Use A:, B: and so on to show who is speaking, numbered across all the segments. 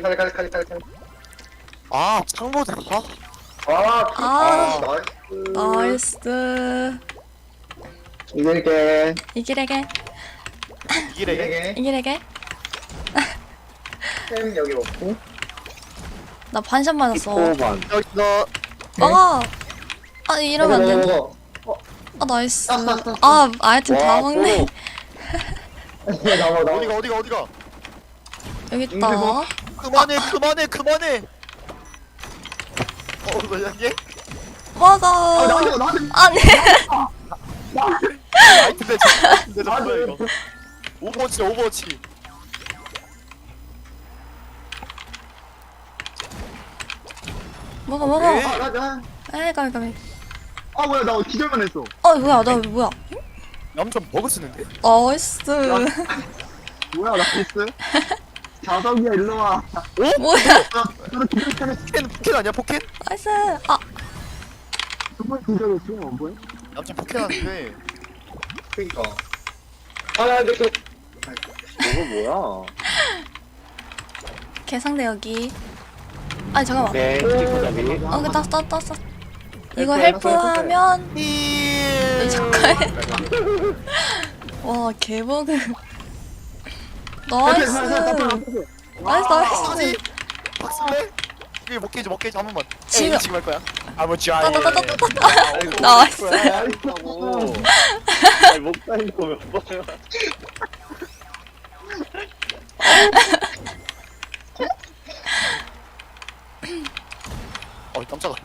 A: 칼.
B: 아 창모다.
C: 아,
A: 나이스.
C: 나이스.
A: 이길게.
C: 이기래게.
B: 이기래.
C: 이기래게.
A: 햄 여기 먹고.
C: 나 반샷 맞았어.
D: 5번.
B: 여기 너
C: 아, 아 이러면 안 되는데.
A: 먹어.
C: 아 나이스.
A: 아.
C: 아 아이템 다
D: 와,
C: 먹네.
A: 나와.
B: 어디가.
C: 여기 있다.
B: 그만해. 뭐야 얘?
C: 화가.
A: 나한테.
C: 아니.
B: 아이템 대전 뭐야 이거? 오버워치.
C: 먹어.
B: 네.
A: 나.
C: 에이 가미.
A: 아 뭐야 나 기절만 했어.
C: 뭐야 나 뭐야?
B: 얌전 버그 쓰는데?
C: 나이스.
A: 뭐야 나이스. 자석이야 일로 와.
C: 뭐야?
A: 저도 기절했어.
B: 포켓 아니야 포켓?
C: 나이스. 아
A: 정말 기절했어. 뭐야?
B: 얌전 포켓 하는데.
A: 그니까. 근데 그.
D: 이거 뭐야?
C: 개상대 여기. 아니 잠깐만.
D: 네, 스티커잡이.
C: 그 땄어. 이거
A: 헬프,
C: 헬프하면
B: 이
C: 잠깐. 와 개버그. 나이스. 나이스.
B: 박스네? 이게 먹게지 한 번만.
C: 지금.
B: 지금 할 거야. 아버지
C: 나이스.
D: 아이고. 아니, 못 가는 거몇 번이야.
B: 깜짝아.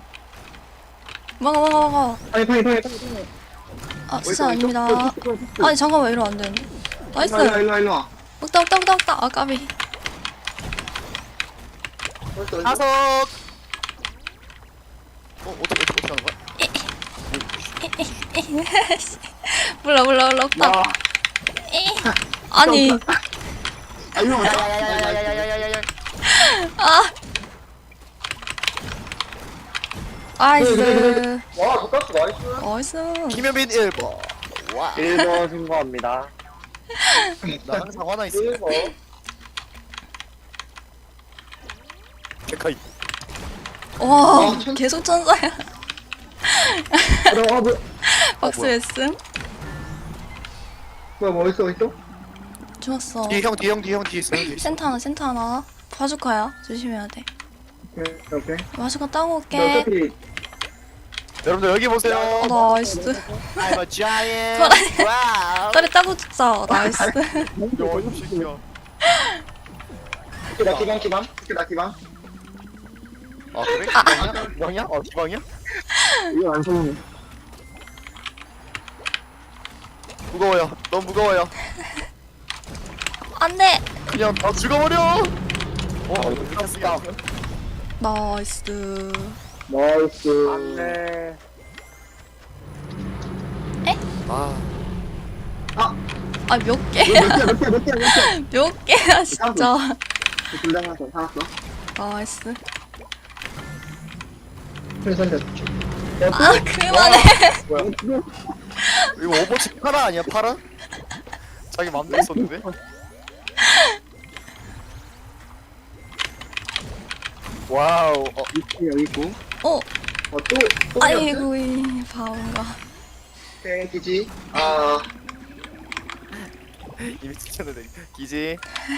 C: 먹어.
A: 파이.
C: 아 진짜 아닙니다. 아니 잠깐만 이러면 안 되는데. 나이스.
A: 일로 와.
C: 먹다. 아 까비.
B: 다섯. 어떻게 하는 거야?
C: 몰라 없다.
A: 와.
C: 아니.
A: 이거 뭐야?
B: 야야야야야야야야야야.
C: 아. 나이스.
A: 와 독가스 나이스.
C: 나이스.
B: 김현빈 1번. 와.
D: 1번 신고합니다.
B: 나 항상 하나 있어.
A: 1번.
B: 데카이.
C: 와 계속 천사야.
A: 뭐야?
C: 박스 웨슨.
A: 뭐야 뭐 있어?
C: 좋았어.
B: 뒤에 있어.
C: 센터 하나. 바주카야. 조심해야 돼.
A: 오케이.
C: 바주카 따고 올게.
A: 어차피
B: 여러분들 여기 보세요.
C: 나이스.
B: I'm a giant. 와우.
C: 딸이 따고 죽자. 나이스.
B: 야, 이거 새끼야.
A: 나 기방.
B: 아 그래? 기방이야? 기방이야?
A: 이거 안 성공해.
B: 무거워요. 너무 무거워요.
C: 안돼.
B: 그냥 다 죽어버려.
D: 이거 땄다.
C: 나이스.
A: 나이스.
D: 안 돼.
C: 아 몇 개?
A: 몇 개야?
C: 몇 개야 진짜.
A: 둘다 하나 더 살았어.
C: 나이스.
A: 그래서
C: 아 그만해.
B: 뭐야? 이거 오버워치 파라 아니야? 파라? 자기 맘대로 썼는데? 와우.
A: 여기 있고.
C: 또
A: 또.
C: 아이고 이 바본가.
A: 땡기지.
B: 이미 추천해도 기지.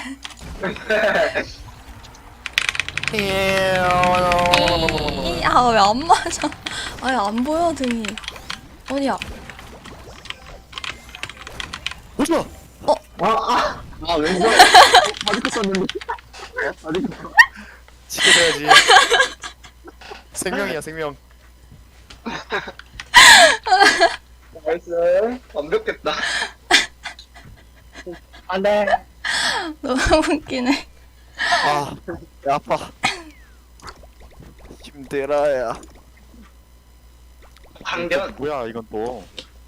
C: 아 왜 안 맞아? 아예 안 보여 등이. 어디야?
B: 보지마.
A: 왼손. 아직도 썼는데. 아직도.
B: 지켜줘야지. 생명이야 생명.
A: 나이스. 완벽했다.
D: 안 돼.
C: 너무 웃기네.
B: 배 아파. 힘들어야.
A: 방변.
B: 뭐야 이건 또.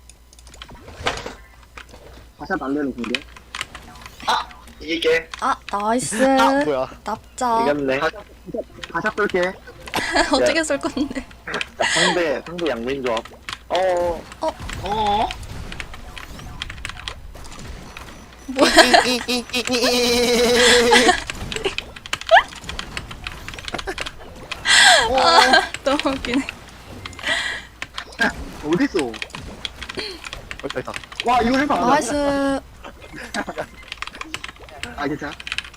A: 가샷 안 되는 군대. 이길게.
C: 아 나이스.
B: 뭐야.
C: 납작.
D: 이겼네.
A: 가샷 쏠게.
C: 어떻게 쓸 건데?
D: 상대 양민조합.
C: 뭐야? 너무 웃기네.
A: 어딨어?
B: 있다 있다.
A: 와, 이거 해봐.
C: 나이스.
A: 아, 괜찮아.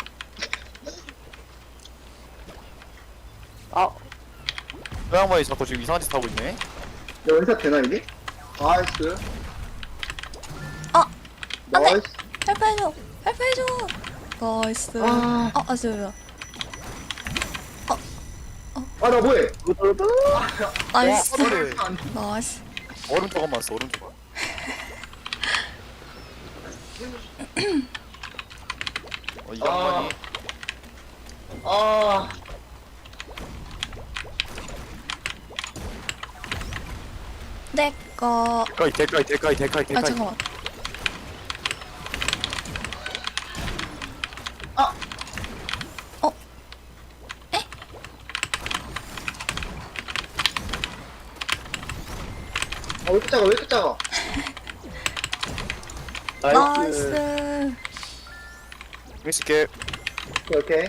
B: 그 양반이 자꾸 지금 이상한 짓 하고 있네.
A: 연사 되나, 이게? 나이스.
C: 아, 안 돼.
A: 나이스.
C: 헬프해줘. 헬프해줘. 나이스.
A: 아.
C: 아쉬워요.
A: 아, 나 뭐해?
C: 나이스.
B: 와, 그래.
C: 나이스.
B: 오른쪽만 맞았어 오른쪽. 이 양반이
A: 아.
C: 내꺼.
B: 대가이.
C: 아, 잠깐만.
A: 아.
C: 어? 에?
A: 아, 왜 이렇게 작아, 왜 이렇게 작아?
C: 나이스.
B: 재밌을게.
A: 오케이.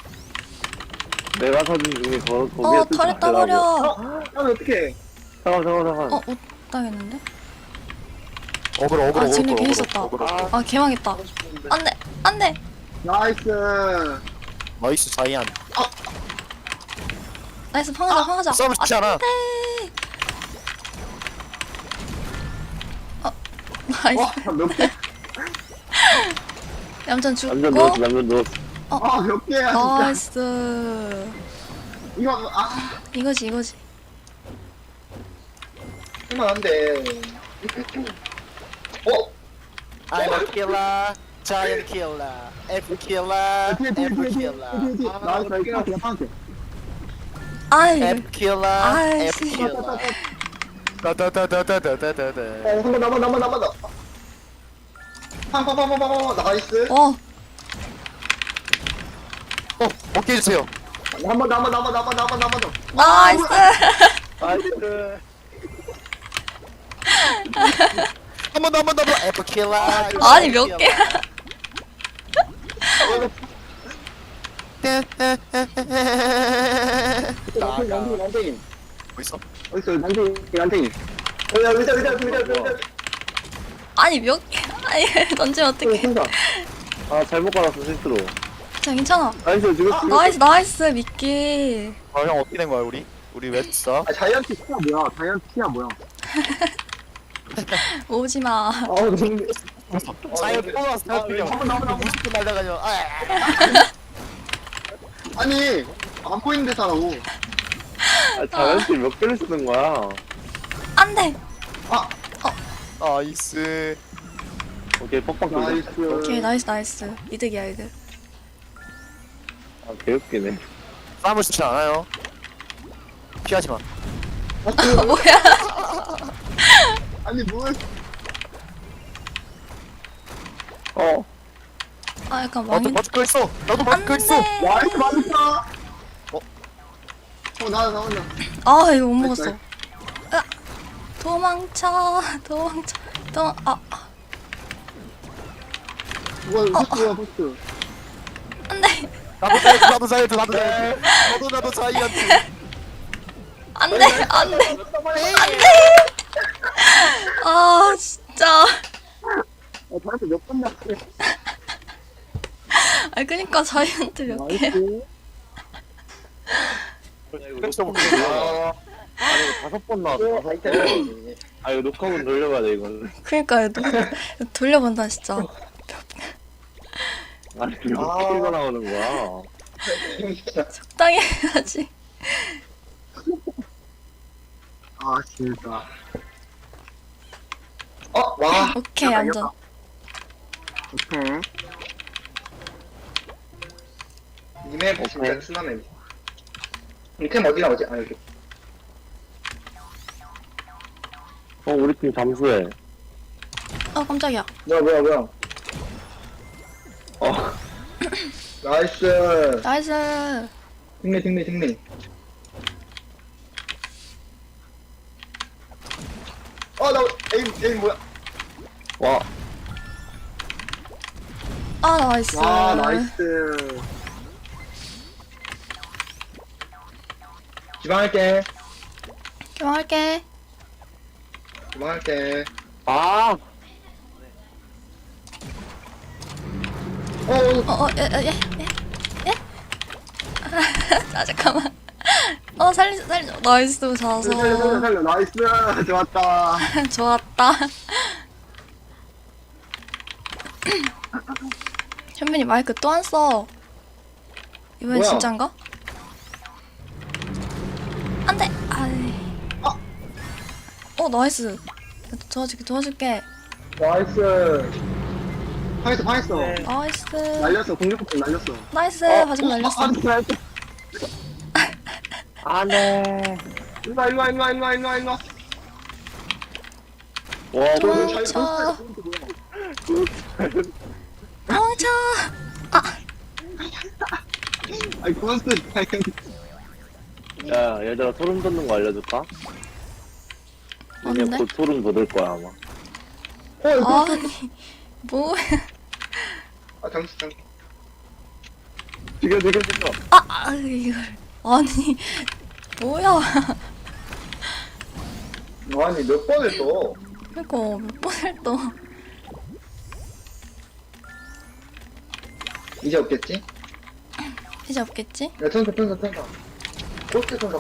D: 내가 사준 중에 거기에
C: 털에 따버려.
A: 아, 어떡해.
D: 잠깐.
C: 못 당했는데?
B: 어그로
C: 아, 쟤네 괜히 썼다. 아, 개망했다. 안 돼. 안 돼.
A: 나이스.
B: 나이스 자이안.
C: 나이스. 팡하자.
B: 싸움 쉽지 않아.
C: 네. 나이스.
A: 와, 몇 개?
C: 얌전
D: 남전
C: 죽고.
D: 누웠어.
A: 아, 몇 개야, 진짜.
C: 나이스.
A: 이거,
C: 이거지.
A: 할만한데. 어?
B: I'm a killer, giant killer, F killer,
A: 뒤에. 나이스, 나이스. 파란색.
C: 아이.
B: F killer,
C: 아이씨.
B: F killer. 다다다다다다다다.
A: 한 번 남아. 팡. 나이스.
C: 어.
B: 먹게 해주세요.
A: 한 번 남아.
C: 나이스.
D: 나이스.
B: 한 번 더. F killer.
C: 아니, 몇 개야.
A: 난쟁이.
B: 뭐 있어?
A: 어딨어, 난쟁이. 야, 의자.
C: 아니, 몇 개. 아니, 던지면 어떡해.
A: 혼자.
D: 잘못 깔았어, 실수로.
C: 괜찮아.
D: 나이스, 죽였어.
C: 나이스. 미끼.
B: 아, 형 어떻게 된 거야 우리? 우리 왜 했어?
A: 아, 자이언트 티야 뭐야?
C: 오지 마.
A: 너무.
B: 자이언 또 나왔어.
A: 한번 남아.
B: 무식도 날라가죠.
A: 아니, 안 보이는 데서 하라고.
D: 자연스레 몇 개를 쓰는 거야?
C: 안 돼.
B: 나이스.
D: 오케이, 뻑뻑 돌려.
A: 나이스.
C: 오케이, 나이스. 이득이야, 이득.
D: 개웃기네.
B: 싸움을 쉽지 않아요. 피하지 마.
C: 뭐야.
A: 아니, 뭘.
C: 아, 약간
B: 나도
C: 망인.
B: 맞을 거 있어. 나도
C: 안
B: 맞을 거 있어.
C: 돼.
A: 나이스, 맞았다. 나.
C: 아, 이거 못
A: 나이스,
C: 먹었어. 으악. 도망쳐.
A: 포스트.
C: 안 돼.
B: 나도 자이언트. 나도 자이언트.
C: 안 돼. 아, 진짜.
A: 저한테 몇번 났어.
C: 아, 그니까 자이언트 몇 개.
A: 나이스.
B: 그래서 뭐
D: 이거 5번 나왔어, 5번. 이거 녹화본 돌려봐야 돼, 이거는.
C: 그니까, 돌려본다, 진짜.
D: 아니, 몇 개가 나오는 거야?
C: 적당히 해야지.
A: 아, 진짜. 와.
C: 오케이, 안전.
A: 오케이. 이맵 진짜 순하네. 이템 어디 나오지? 아, 여기.
D: 우리 팀 잠수해.
C: 깜짝이야.
A: 뭐야. 나이스.
C: 나이스.
A: 승리. 나 에임 뭐야?
D: 와,
C: 아, 나이스.
A: 와, 나이스. 기방할게.
C: 기방할게.
A: 기방할게.
D: 아
C: 예. 아, 잠깐만. 살려. 나이스, 자서.
E: 살려. 나이스. 좋았다.
C: 좋았다. 현민이 마이크 또 안 써. 이번엔
A: 뭐야?
C: 진짠가? 안 돼! 아이. 나이스. 도와줄게.
E: 나이스. 방했어.
C: 나이스.
E: 날렸어. 공격폭 날렸어.
C: 나이스. 바지금 날렸어.
D: 안돼.
E: 일로와.
D: 와
C: 도망쳐. 도망쳐.
E: 아이 고스트.
D: 야 얘들아 소름 돋는 거 알려줄까?
C: 뭔데?
D: 이제 곧 소름 돋을 거야 아마.
C: 아니, 뭐야.
A: 잠시.
D: 죽여.
C: 이걸. 아니, 뭐야.
A: 아니, 몇 번을 또.
C: 그니까, 몇 번을 또.
A: 이제 없겠지?
C: 이제 없겠지?
A: 야, 천사. 포스트 천사.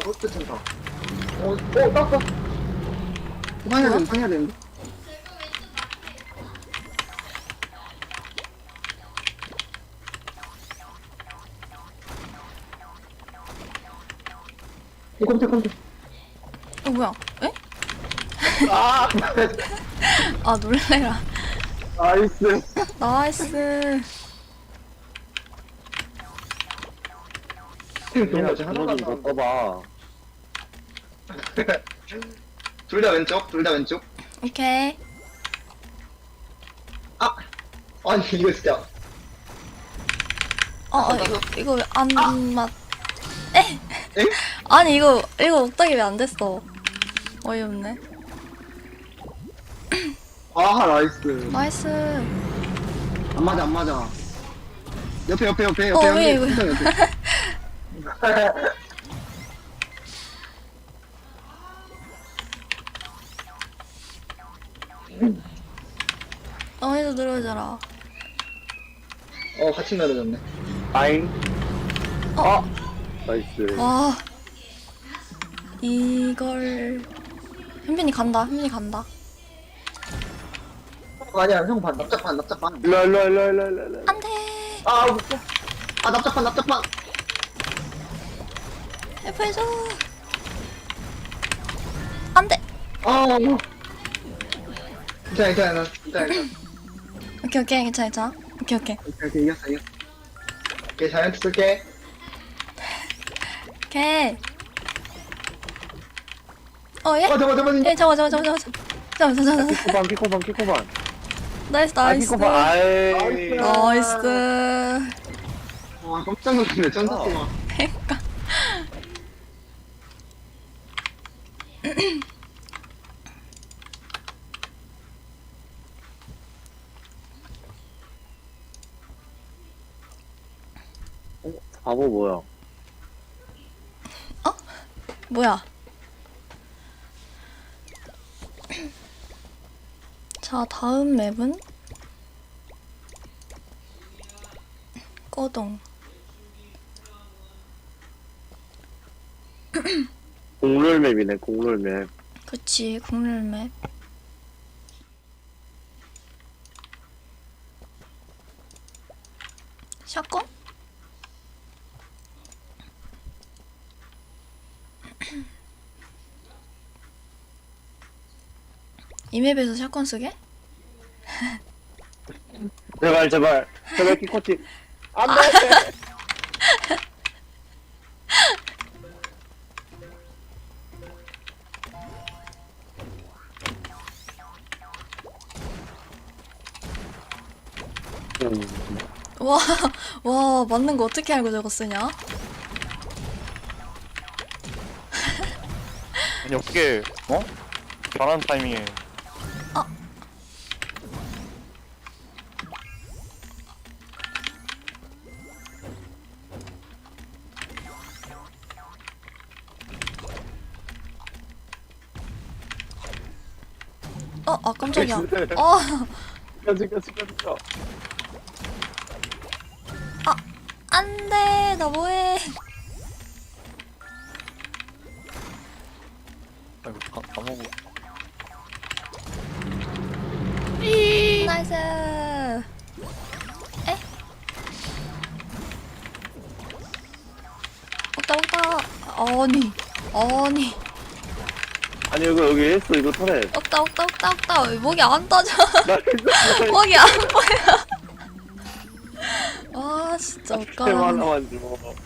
A: 땄어.
E: 방해야 되는데.
A: 컴퓨터.
C: 뭐야? 에?
A: 아!
C: 아, 놀래라.
E: 나이스.
C: 나이스.
A: 너무 어제 하나도 안
D: 좀
A: 나왔는데.
D: 덮어봐.
A: 둘 다 왼쪽.
C: 오케이.
A: 아니, 이거 진짜.
C: 이거 왜 안 맞. 에?
A: 에?
C: 아니, 이거 옥닥이 왜 안 됐어? 어이없네.
E: 아 나이스.
C: 나이스.
E: 안 맞아. 옆에.
C: 왜 이거.
E: 옆에.
C: 어디서 들어오잖아.
A: 같이 날아졌네.
D: 아잉. 나이스.
C: 와. 이걸. 현빈이 간다.
A: 아니야, 형 반, 납작반.
D: 일로.
C: 안 돼.
E: 납작반.
C: 해프해줘. 안 돼.
A: 뭐. 괜찮아.
C: 오케이, 괜찮아. 오케이.
E: 오케이 이겼어.
A: 오케이, 자이언트 쓸게.
C: 오케이. 예?
A: 잠깐만.
C: 예, 잠깐만.
D: 피코반.
C: 나이스.
D: 피코반. 아이.
C: 나이스.
E: 와 깜짝 놀랐네. 천사통화.
C: 그러니까.
D: 바보 뭐야?
C: 뭐야? 자, 다음 맵은 꺼동.
D: 공룰맵이네 공룰맵.
C: 그치, 국룰 맵. 샷건? 이 맵에서 샷건 쓰게?
D: 제발 키코치. 안돼.
C: 와, 맞는 거 어떻게 알고 저거 쓰냐?
B: 아니 어떻게 잘하는 타이밍에.
C: 아 깜짝이야.
D: 죽여 죽여 죽여 죽여.
C: 안돼 나 뭐해?
B: 아이고 까먹고.
C: 나이스. 에? 먹다. 아니.
D: 아니 여기 했어 이거 터렛.
C: 먹다. 목이 안 떠져.
D: 나 했어.
C: 목이 안 보여. 아 진짜
D: 템
C: 웃겨라.
D: 하나만 줘.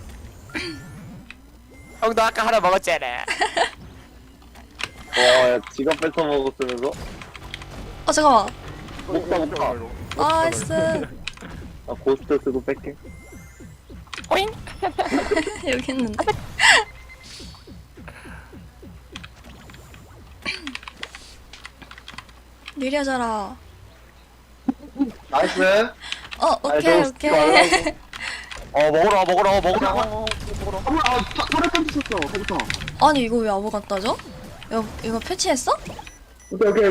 B: 형도 아까 하나 먹었잖아.
D: 와야 지갑 뺏어 먹었으면서.
C: 잠깐만.
D: 먹다.
C: 나이스.
D: 아 고스트 쓰고 뺄게.
B: 오잉.
C: 여기 있는데. 느려져라.
A: 나이스.
C: 오케이.
B: 먹으라.
E: 털에 던졌어, 거기서.
C: 아니 이거 왜 아무것도 안 따져? 이거 패치했어?
A: 오케이.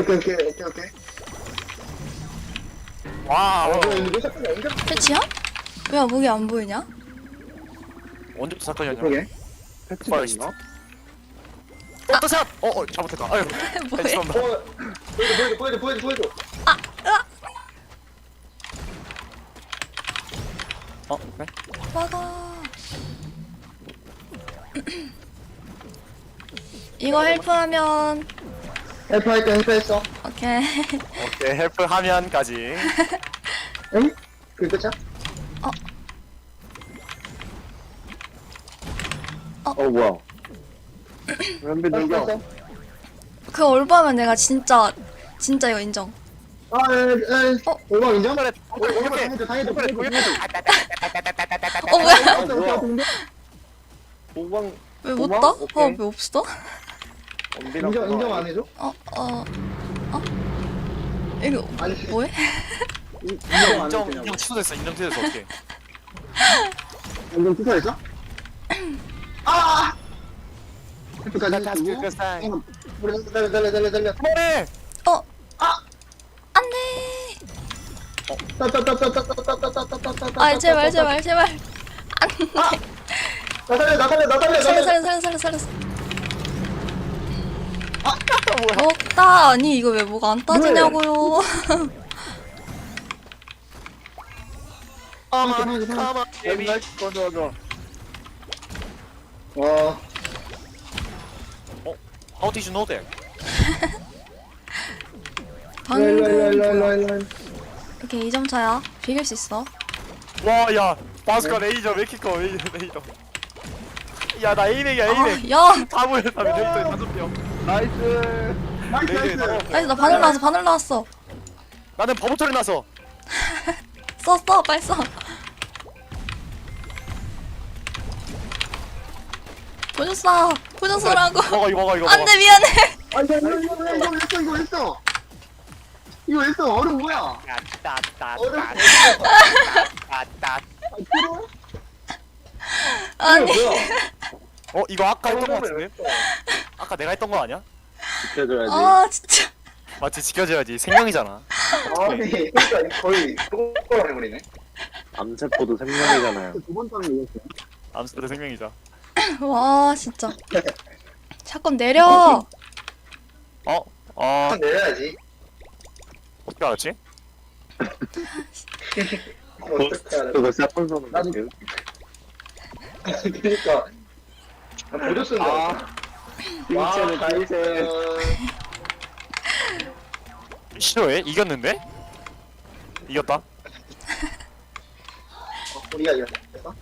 B: 와.
A: 이거 잠깐 연결.
C: 패치야? 왜 목이 안 보이냐?
B: 언제부터 사건이었냐?
A: 그러게.
D: 패치가 있나?
B: 샷! 잘못했다. 아유.
C: 뭐야?
B: 죄송합니다.
A: 보여줘.
B: 그래?
C: 막아. 이거 헬프하면
A: 헬프했어.
C: 오케이.
B: 오케이 헬프 하면까지.
A: 응? 그게 끝이야?
D: 뭐야? 연비 돌려.
A: 헬프했어?
C: 그 올바면 내가 진짜 이거 인정.
A: 얼마 인정?
B: 그래.
A: 당해줘.
C: 뭐야?
D: 뭐야? 도망
C: 왜 못
D: 고마워?
C: 떠?
D: 오케이.
C: 왜 없어?
D: 연비랑
A: 인정 안 해줘?
C: 이거
A: 아니
C: 뭐해?
A: 인정 안
B: 인정
A: 해주냐고.
B: 취소됐어. 어떻게?
E: 인정 투사했어? 헬프까지 해주고.
A: 달려.
B: 머리.
C: 안돼. 아 제발.
A: 나 살려.
C: 살렸어. 먹다. 아니 이거 왜 뭐가 안 따지냐고요.
B: 가만.
D: 옛날 꺼져.
A: 와,
B: How did you know that?
C: 방금 뭐야?
A: 일로.
C: 오케이 2점 차야. 비길 수 있어.
B: 와, 야, 바스카 레이저 메키커 레이저. 야, 나 A맥이야, A맥.
C: 야.
B: 다 모였다, 레이저에 5명.
D: 나이스.
B: 레이저에 다 모였다.
C: 나이스 나 바늘 나왔어.
B: 나는 버벅처리 나서.
C: 써 빨리 써. 보셨어라고.
B: 먹어.
C: 안돼 미안해.
E: 아니, 이거 했어. 얼음 뭐야?
C: 아니
B: 이거 아까 했던 거 같은데? 아까 내가 했던 거 아니야?
D: 지켜줘야지.
C: 아 진짜.
B: 맞지, 지켜줘야지. 생명이잖아.
A: 아니, 그러니까 거의 똑바로 해버리네.
D: 암세포도 생명이잖아요.
E: 두번 따는 거 이겼어요.
B: 암스터도 생명이자.
C: 와 진짜. 샷건 내려.
A: 한 내려야지.
B: 어떻게 알았지?
A: 어떻게 알아?
D: 그거 샷건 쏘는 거.
A: 나도- 그러니까 보조 쓴다.
D: 빙체는 빙체.
B: 싫어해? 이겼는데? 이겼다.
A: 우리가 이겼어?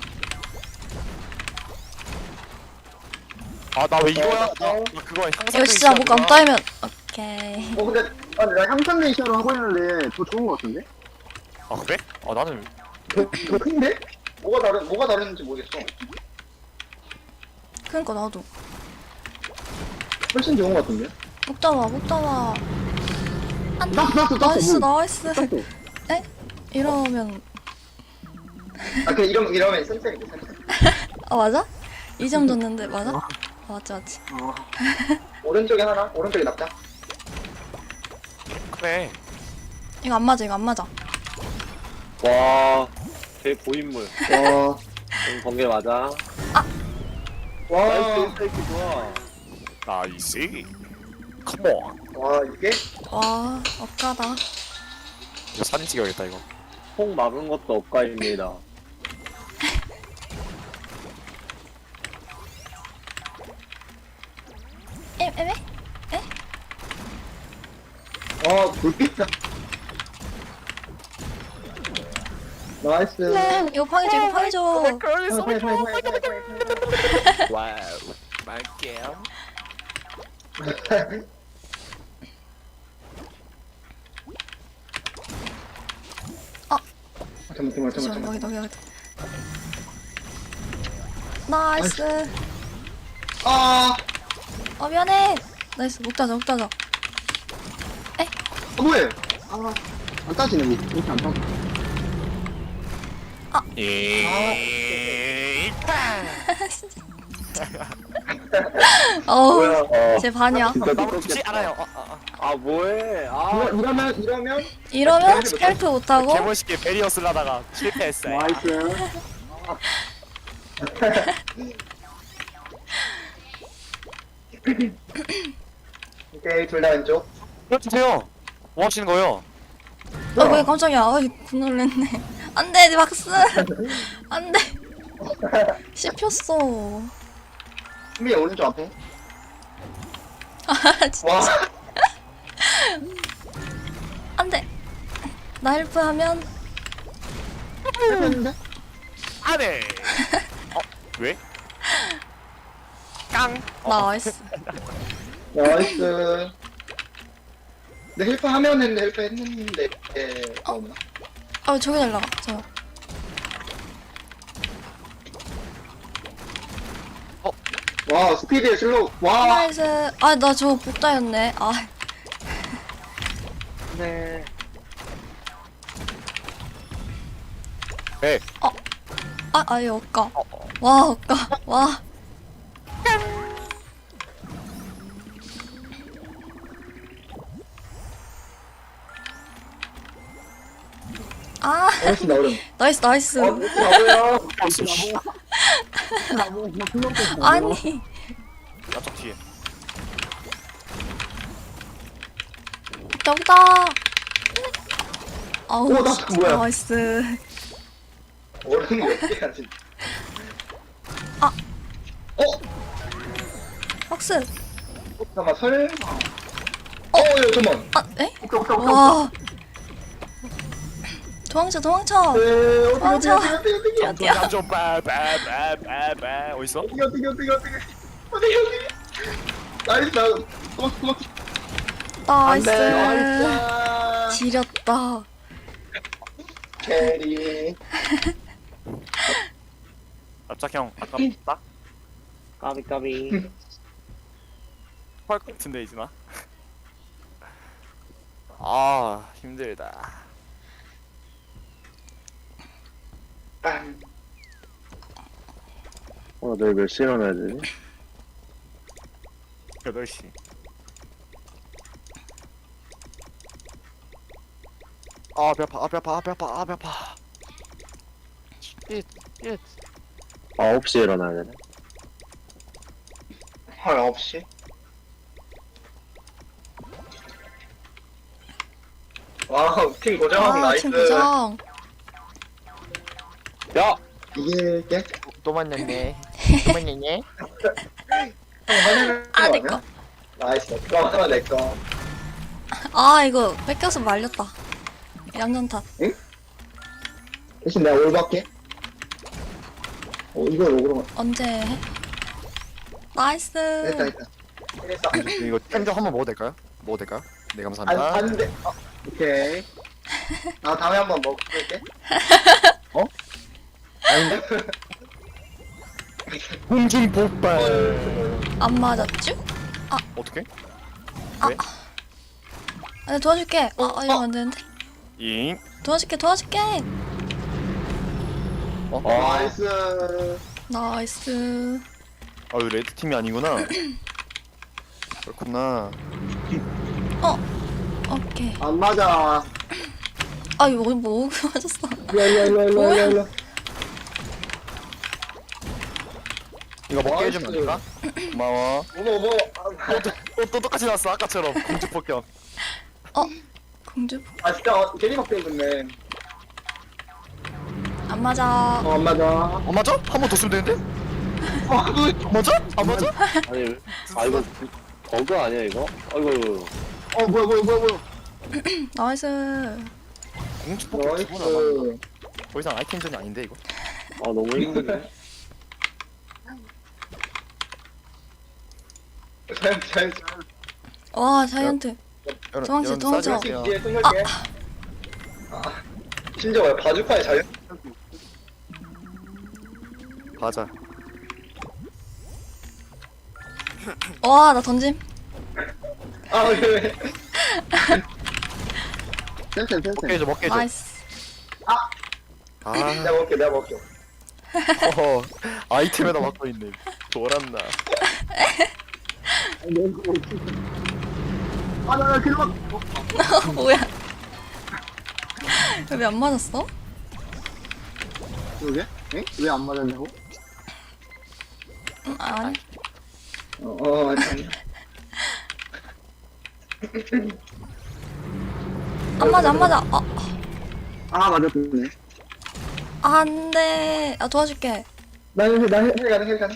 B: 아, 나 왜 이거야? 나 그거 상상.
C: 이거 진짜 목 안 따이면 오케이.
A: 근데
E: 나 향상 레이셔로 하고 있는데 더 좋은 거 같은데?
B: 아, 그래? 아, 나는
A: 더 큰데? 뭐가 다른지 모르겠어.
C: 그러니까 나도.
A: 훨씬 좋은 것 같은데?
C: 목 따와. 안
E: 땄어.
C: 나이스. 에? 이러면
A: 그 이러면 쌤쌤인데 쌤쌤.
C: 맞아? 2점 줬는데 맞아? 맞지.
A: 오른쪽에 하나, 오른쪽에 납작.
B: 그래.
C: 이거 안 맞아, 이거 안 맞아.
D: 와, 대고인물.
E: 와.
D: 번개 맞아.
E: 와.
D: 나이스, 이렇게 좋아.
B: 나이스. 컴온.
A: 와 이게?
C: 와, 억까다.
B: 이거 사진 찍어야겠다 이거.
D: 폭 막은 것도 억가입니다.
C: 에메?
E: 아, 불빛다. 나이스.
C: 이거 파괴줘, 이거 파괴줘.
B: 와우. 말게요.
A: 잠깐만.
C: 여기. 나이스.
A: 아,
C: 미안해. 나이스, 목 따자.
E: 뭐해? 안 따지네, 뭐. 이렇게 안 따져.
C: 어우,
A: 뭐야?
C: 제 반이야.
D: 진짜
B: 나무지
D: 미쳤겠다.
B: 않아요.
D: 아, 뭐해? 아,
E: 이러면?
C: 이러면 스켈트 못하고.
B: 개멋있게 베리어 쓰려다가 실패했어요.
E: 나이스.
A: 오케이 둘 다 왼쪽.
B: 그렇주세요. 뭐 하시는 거예요?
C: 왜 깜짝이야. 어이, 놀랬네. 안 돼, 박스. 안 돼. 씹혔어.
A: 준비 오른쪽 앞에.
C: 아, 진짜.
A: 와,
C: 안 돼. 나 헬프하면.
E: 했는데?
B: 안해. 왜? 깡.
C: 나이스.
A: 나이스. 근데 헬프 하면 했는데 헬프 했는데 없나?
C: 저기 날라가. 저.
A: 와 스피드의 슬로우. 와.
C: 나이스. 나 저거 복다였네.
D: 네.
B: 네.
C: 얘 억까. 와, 억까. 와.
A: 어렸을 나 어른.
C: 나이스.
A: 나도요.
C: 아니.
B: 나쪽 뒤에.
C: 여기다. 아우,
A: 오, 나
C: 진짜
A: 뭐야?
C: 나이스.
A: 어른이 몇 개야 진짜.
C: 박스.
A: 잠깐만 설마. 야 잠깐만.
C: 에?
A: 오케이.
C: 와. 도망쳐.
A: 어떻게
C: 맞아.
B: 좀 빠빠빠빠빠 어딨어?
A: 어떻게. 나이스 나 도망.
C: 나이스.
A: 나이스.
C: 지렸다.
A: 캐리.
B: 납작형 아깝다.
D: 까비.
B: 헐것 같은데 이진아. 힘들다.
A: 빵.
D: 내일 몇 시에 일어나야 되지?
B: 8시. 배 아파. 쉿.
D: 9시에 일어나야 되네.
A: 헐 9시. 와우 팀 고정 나이스.
C: 팀 고정.
D: 야!
A: 이길게.
B: 또 만났네.
C: 내꺼.
A: 나이스 내꺼 하나 내꺼.
C: 이거 뺏겨서 말렸다. 양념 탓.
A: 대신 내가 올밖에. 이걸 오그로.
C: 언제 해? 나이스.
A: 됐다.
B: 이거 템좀 한번 먹어도 될까요? 네 감사합니다.
A: 안돼. 오케이. 나 다음에 한번 먹을게.
B: 아닌데? 공중 폭발.
C: 안 맞았죠?
B: 어떻게?
C: 내가 도와줄게. 이러면 안 되는데.
B: 잉.
C: 도와줄게.
A: 나이스.
C: 나이스.
B: 이거 레드 팀이 아니구나. 그렇구나.
C: 오케이.
E: 안 맞아.
C: 아 이거 뭐 맞았어.
A: 일로.
B: 이거 먹게 해주면 안 될까? 고마워.
A: 어머.
B: 또 똑같이 났어 아까처럼 공주 폭격.
C: 공주
A: 아 진짜 괜히 막대 입었네.
C: 안 맞아.
A: 안 맞아.
B: 안 맞아? 한 번 더 쓰면 되는데? 안 맞아? 안 맞아?
D: 아니 이거 버그 아니야 이거? 아이고
E: 뭐야.
C: 나이스.
B: 공주 폭격 두번 안 맞는다.
A: 나이스.
B: 더 이상 아이템전이 아닌데 이거?
D: 아 너무 힘드네.
A: 잘.
C: 와 자이언트. 도망쳐, 도망쳐.
B: 요
A: 뒤에 뚫을게. 심지어 바주카에 잘.
B: 맞아.
C: 와 나 던짐.
A: 왜?
E: 센스.
B: 먹게 해줘 먹게 해줘.
C: 나이스.
B: 아
A: 내가 먹게.
B: 허허 아이템에다 맞고 있네. 돌았나.
E: 나 길막.
C: 뭐야? 왜 안 맞았어?
E: 그러게? 에? 왜 안 맞았냐고?
C: 아니.
A: 아니.
C: 안 맞아.
E: 맞았네.
C: 안돼. 도와줄게.
A: 나 해 가는.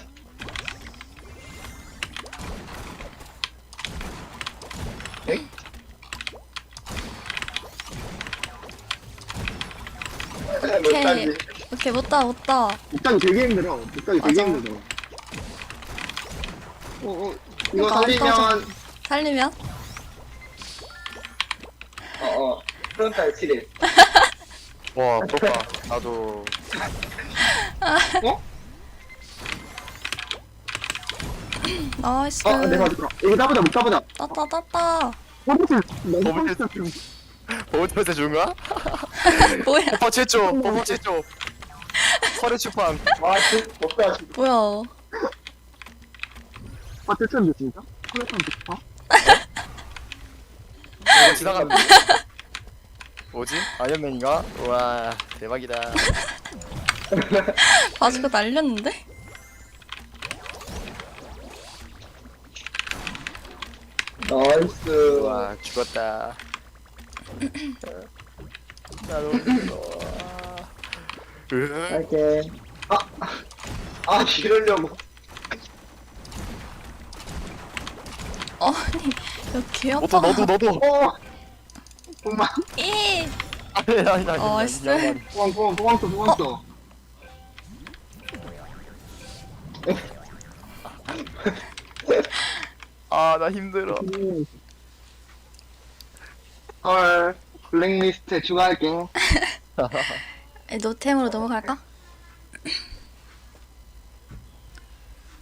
C: 오케이. 오케이 못다.
E: 목장이 되게 힘들어.
C: 맞아.
A: 이거
C: 그러니까 안
A: 살리면
C: 살리면?
A: 프론탈 7일.
B: 와 부럽다. 나도.
C: 나이스.
E: 내가 맞을까? 이거 따보자, 못 따보자.
C: 따따.
B: 버블트에서 준 거야?
C: 뭐야?
B: 버퍼 최초. 서류 출판.
A: 먹다.
C: 뭐야?
E: 됐었는데, 진짜? 콜레탄 좋다.
B: 이거 지나갔는데? 뭐지? 아이언맨인가? 우와 대박이다.
C: 바지가 날렸는데?
A: 나이스.
B: 우와 죽었다. 나 너무 무서워.
A: 할게. 이러려고.
C: 아니 야 개 아파.
B: 너도.
E: 정말.
C: 이.
B: 아니.
C: 나이스.
E: 도망쳐.
B: 아 나 힘들어.
E: 헐, 블랙리스트에 추가할게.
C: 노템으로 넘어갈까?